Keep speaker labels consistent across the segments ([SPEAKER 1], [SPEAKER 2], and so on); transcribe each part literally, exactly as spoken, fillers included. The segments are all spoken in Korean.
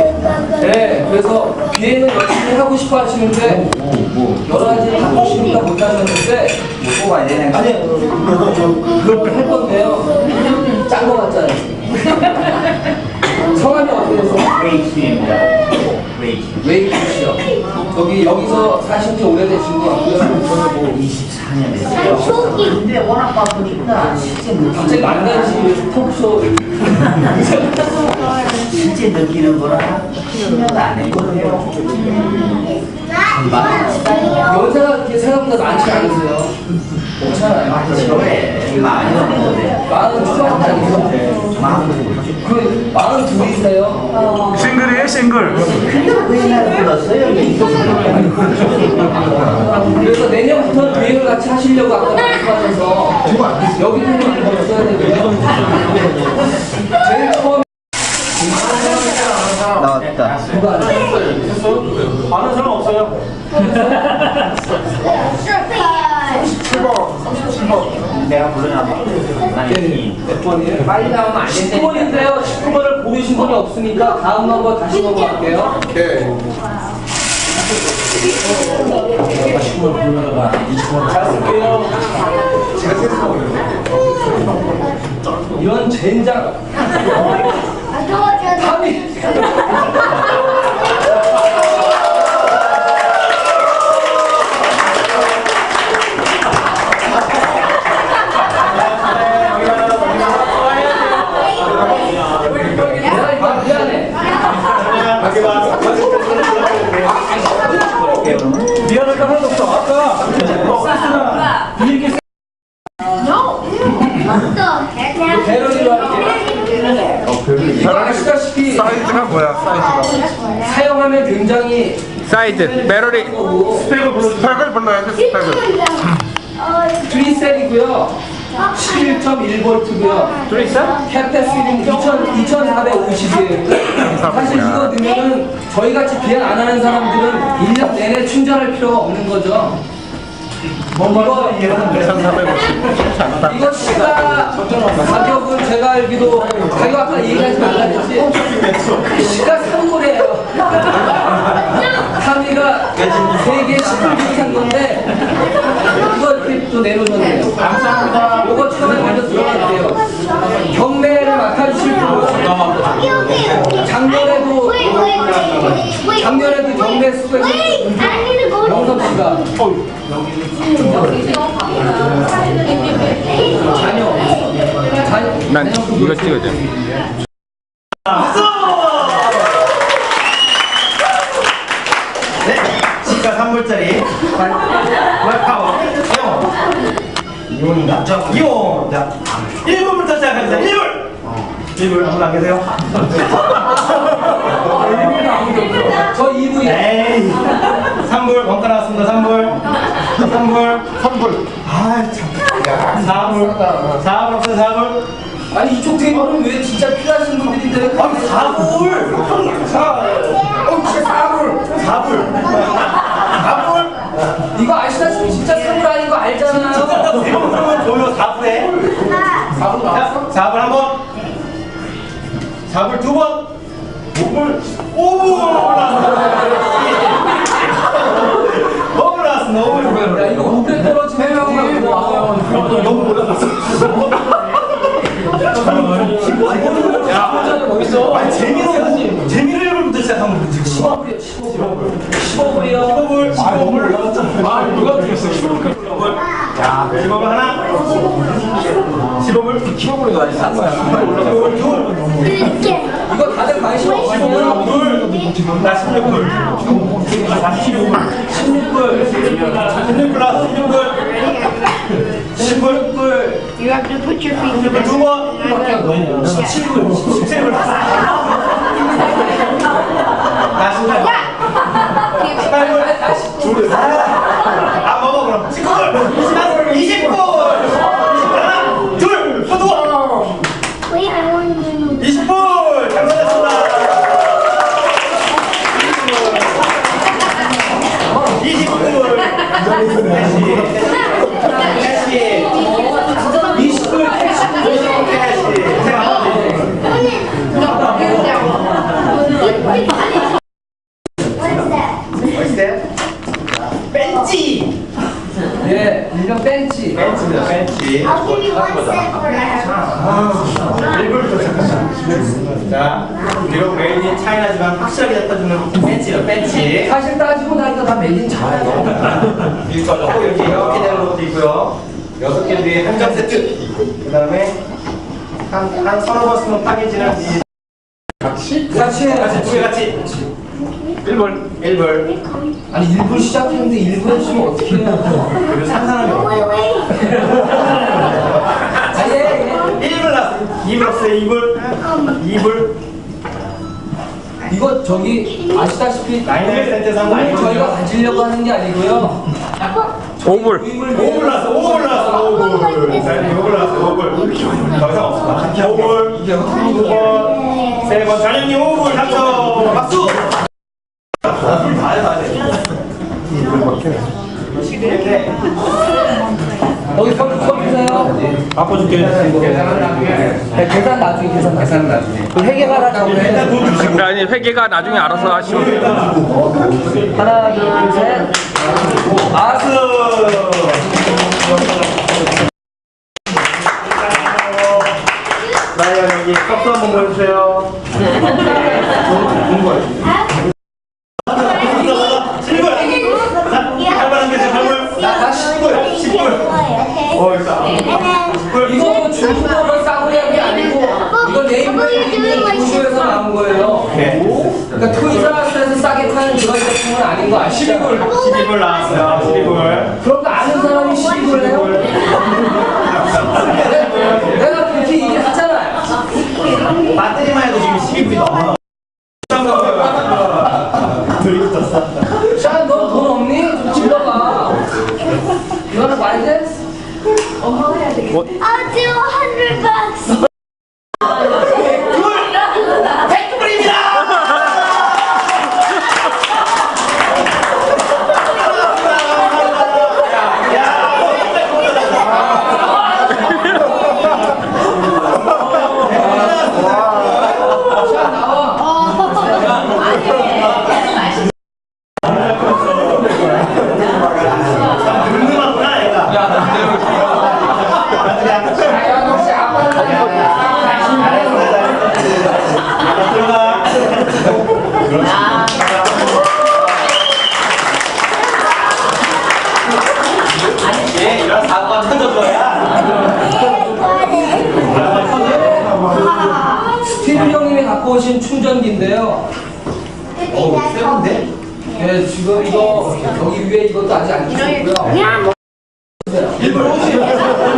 [SPEAKER 1] 네, 그래서 비행을 열심히 하고 싶어 하시는데 여러 가지 하고 싶으니까 못 하셨는데
[SPEAKER 2] 뭐 뽑아야 되네.
[SPEAKER 1] 아니 그걸 할 건데요. 짠 거 같잖아요. 성함이 어떻게 되세요?
[SPEAKER 2] 웨이키입니다. 웨이키.
[SPEAKER 1] 웨이키 씨요. 여기 여기서 사신 지 오래되신 것 같고요.
[SPEAKER 2] 저는 뭐 이십사 년 됐어요. 근데 워낙 바쁘니까 실제
[SPEAKER 1] 갑자기 만나시 토크쇼
[SPEAKER 2] 실제 느끼는 거랑 십 년 안 했거든요.
[SPEAKER 1] 연세가 그렇게 생각보다 많지 않으세요? 괜찮아요.
[SPEAKER 2] 많이 많이 넘는데.
[SPEAKER 1] 마흔 초반도 아니죠? 그 마흔 둘이세요?
[SPEAKER 3] 싱글이에요, 싱글.
[SPEAKER 2] 근데 왜 나를 불렀어요?
[SPEAKER 1] 그래서 내년부터 비행을 같이 하시려고 아까 말씀하셔서 여기 분들이 더 써야 되거든요. 제일 처음
[SPEAKER 2] 나왔다.
[SPEAKER 1] 누가 안 했어요?
[SPEAKER 3] 아는 사람 없어요?
[SPEAKER 2] 내가 부르나 봐.
[SPEAKER 1] 몇 번이에요? 빨리 나오면 안 된다. 십 번인데요. 십구 번을 고르신 분이 없으니까 다음 넘버 다시 넘어갈게요. 오케이. 십구 번 불러다가 이십 번 잘 쓸게요. 제가 세서 이런 젠장. 탐이. 미안할 거 하나도 없어. 아까 비행기 배럴이로 할게요. 아시다시피
[SPEAKER 3] 사이즈가 뭐야, 사이즈가?
[SPEAKER 1] 사용하면 굉장히
[SPEAKER 3] 사이즈, 배럴이. 스펙을 불러, 스펙을 불러야지, 스펙을.
[SPEAKER 1] 트리셀이고요. 십일 점 일 볼트고요.
[SPEAKER 3] 트리셀?
[SPEAKER 1] 캡테스는 이천사백오십이에요. 사실 이거 넣으면은 저희 같이 비행 안 하는 사람들은 일 년 내내 충전할 필요가 없는 거죠. 이거
[SPEAKER 3] 이천사백오십. 않다.
[SPEAKER 1] 이거 시가 가격은 제가 알기로 가격 아까 얘기하지 말라했지 시가 삼 불이에요. 삼위가 세개 십 불 비슷한 건데 이거 이렇게 또 내놓으셨네요. 감사합니다. 이거 처음에 먼저 들어갈게요. 경매를 맡아주실 분 작년에도 작년에도 경매 수고해서 영섭 씨가 자녀 자녀
[SPEAKER 3] 난 이거 찍어줘.
[SPEAKER 2] 시가 삼 불짜리. 말파워. 이온. 이온인가? 저 이온. 자, 일 불부터 시작합니다. 일 불. 일 불 아무도 안 계세요?
[SPEAKER 1] 저 이 부에
[SPEAKER 2] 에이. 삼 불 원가 나왔습니다. 삼 불. 삼 불.
[SPEAKER 3] 삼 불.
[SPEAKER 2] 아 참. 사 불. 사 불 없어요. 사 불.
[SPEAKER 1] 아니 이쪽 테이블은 왜 진짜 필요하신 분들인데 왜
[SPEAKER 2] 아니 사 불. 사. 어, 진짜 사 불. 사 불. 사 불.
[SPEAKER 1] 이거 아시다시피 진짜 선물 아닌 거 알잖아요.
[SPEAKER 2] 세 번 그러면 보여. 사 불에.
[SPEAKER 1] 사 불 나왔어?
[SPEAKER 2] 사 불 한 번. 사 불 두 번. 오 불. 오 불. 오 불 나왔습니다. 오 불.
[SPEAKER 1] 야 이거 오래 떨어지면 나와요.
[SPEAKER 2] 너무 몰랐어.
[SPEAKER 1] 야 멋있어.
[SPEAKER 2] 아니 재미로 재미로 일 불부터 시작하면 되지.
[SPEAKER 1] 십오 불이요. 십오 불. 십오 불이요.
[SPEAKER 2] 십오 불. 십오 불.
[SPEAKER 3] 아, 누가 드렸어?
[SPEAKER 2] 십오 불. 자, 십오 불 하나. 십오 불.
[SPEAKER 3] 십오 불이 많이 싼 거야.
[SPEAKER 2] 십오 불 둘.
[SPEAKER 1] 이거 다들 관심 없으시면
[SPEAKER 2] 둘. 나 십육 불. 나 십육 불.
[SPEAKER 1] 십육 불.
[SPEAKER 2] 십육 불 나왔어. 십육 불. 십육 불.
[SPEAKER 4] You have to put your feet in the
[SPEAKER 2] 두 번.
[SPEAKER 1] 십칠 불.
[SPEAKER 2] 십칠 불. 나 십팔 불. 십팔 불. 아, 먹어 그럼. 십구 불. 이십 불. 하나, 둘, 또 누워.
[SPEAKER 4] Wait, I want to know.
[SPEAKER 2] 이십 불. 당첨됐습니다. 이십 불. 다시. 다시.
[SPEAKER 1] 이십 불.
[SPEAKER 2] 다시. 제가 한번
[SPEAKER 1] 일명 벤치.
[SPEAKER 2] 벤치입니다. 벤치.
[SPEAKER 4] I'll give you one cent for that.
[SPEAKER 2] 일 불부터 시작합니다. 자, 그리고 메인이 차이나지만 확실하게 잡아주는 벤치요. 벤치.
[SPEAKER 1] 사실 따지고 나니까 다 메인 차예요.
[SPEAKER 2] 일거죠. 이렇게 이렇게 되는 것도 있고요. 여섯 개 뒤에 한정 세트. 그 다음에 한, 한 서너 번 쓰면 파괴지는 이
[SPEAKER 1] 같이 같이 해요.
[SPEAKER 2] 같이 두개 같이. 일 불. 일 불.
[SPEAKER 1] 아니 일 분 시작했는데 일 분 했으면 어떻게 해요?
[SPEAKER 2] 그리고 상상하게
[SPEAKER 4] Wait, wait.
[SPEAKER 1] 아예 예.
[SPEAKER 2] 일 불 나왔어요. 이 불 없어요. 이 불. 이 불.
[SPEAKER 1] 이거 저기 아시다시피
[SPEAKER 2] 나인일 센터 상
[SPEAKER 1] 오늘 저희가 가지려고 하는 게 아니고요.
[SPEAKER 3] 오 불.
[SPEAKER 2] 오 불 나왔어. 오 불 나왔어. 오 불. 자, 오 불 나왔어. 오 불. 더 이상 없어. 오 불. 두 번. 세 번. 자녀님 오 불 당첨. 박수. 불 다해 다해. 이렇게.
[SPEAKER 1] 거기 서 주세요.
[SPEAKER 2] 바꿔줄게.
[SPEAKER 1] 네, 계산 나중에 계산 계산 나중에. 그 회계가라 적으해
[SPEAKER 2] 일단 돈 주시고.
[SPEAKER 3] 아니 회계가 나중에 알아서 하시면 돼요.
[SPEAKER 1] 하나 둘 셋.
[SPEAKER 2] 박수. 나야 여기 컵도 한번 보여주세요. 좋은 거예요. 칠 불. 팔 분 한 개씩 팔 불.
[SPEAKER 1] 나 십 불.
[SPEAKER 2] 십 불. 어, 이거.
[SPEAKER 1] 이거 뭐 중국어로 싸구려 한게 아니고 이거 네이버에 구조에서 나온 거예요. 그러니까 토이자스에서 싸게 파는 그런 제품은 아닌 거 아시죠?
[SPEAKER 2] 십이 불. 십이 불 나왔어요. 십이 불.
[SPEAKER 1] 그럼 아는 사람이 십이 불 해요? 내가 그렇게 얘기했잖아요.
[SPEAKER 2] 배터리만 해도 지금 십이 불이 넘어.
[SPEAKER 1] 샤, 너 돈 없니? 좀 질러봐. 이거는 말이 돼?
[SPEAKER 4] I'll do a hundred bucks.
[SPEAKER 2] 백 불입니다.
[SPEAKER 1] 샤, 나와.
[SPEAKER 2] 든든하구나 얘가.
[SPEAKER 1] 야, 너 혹시 아빠는
[SPEAKER 2] 들어가. 예, 이런 사고가 터져줘야.
[SPEAKER 1] 스티브 형님이 갖고 오신 충전기인데요.
[SPEAKER 2] 어우, 세건데?
[SPEAKER 1] 예, 지금 이거 여기 위에 이것도 아직 안 켜졌고요.
[SPEAKER 2] 일 불 오십. 이 불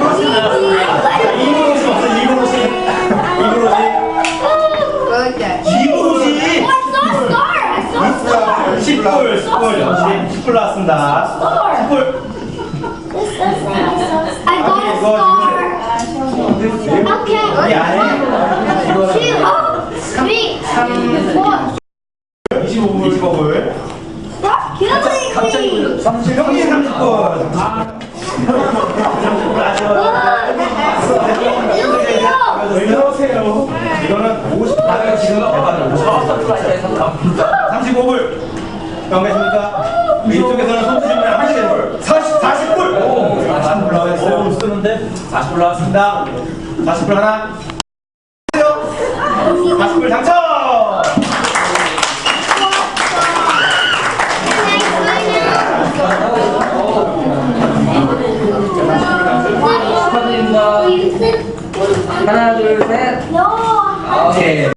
[SPEAKER 2] 오십 없어. 이 불 오십. 이 불 오십. 이 불 오십. 십 불. 십 불. 십 불 나왔습니다. 십 불.
[SPEAKER 4] I got a star. Okay.
[SPEAKER 2] 이 안에
[SPEAKER 4] Two, three, four.
[SPEAKER 2] 이십오 불. 이십오 불.
[SPEAKER 4] Stop killing me.
[SPEAKER 2] 삼십 형님 삼십 불. 삼십 불 아쉬워요. 왜 이러세요? 이거는 오십 불. 지금 삼십오 불. 경계십니까? 이쪽에서는 손주시면 하시게 불. 사십, 사십 불. 오, 사십 불 나왔어요. 쓰는데 사십 불 나왔습니다. 사십 불 하나. 사십 불 당첨.
[SPEAKER 1] 축하드립니다. 하나, 둘, 셋.
[SPEAKER 4] No.
[SPEAKER 1] 오케이.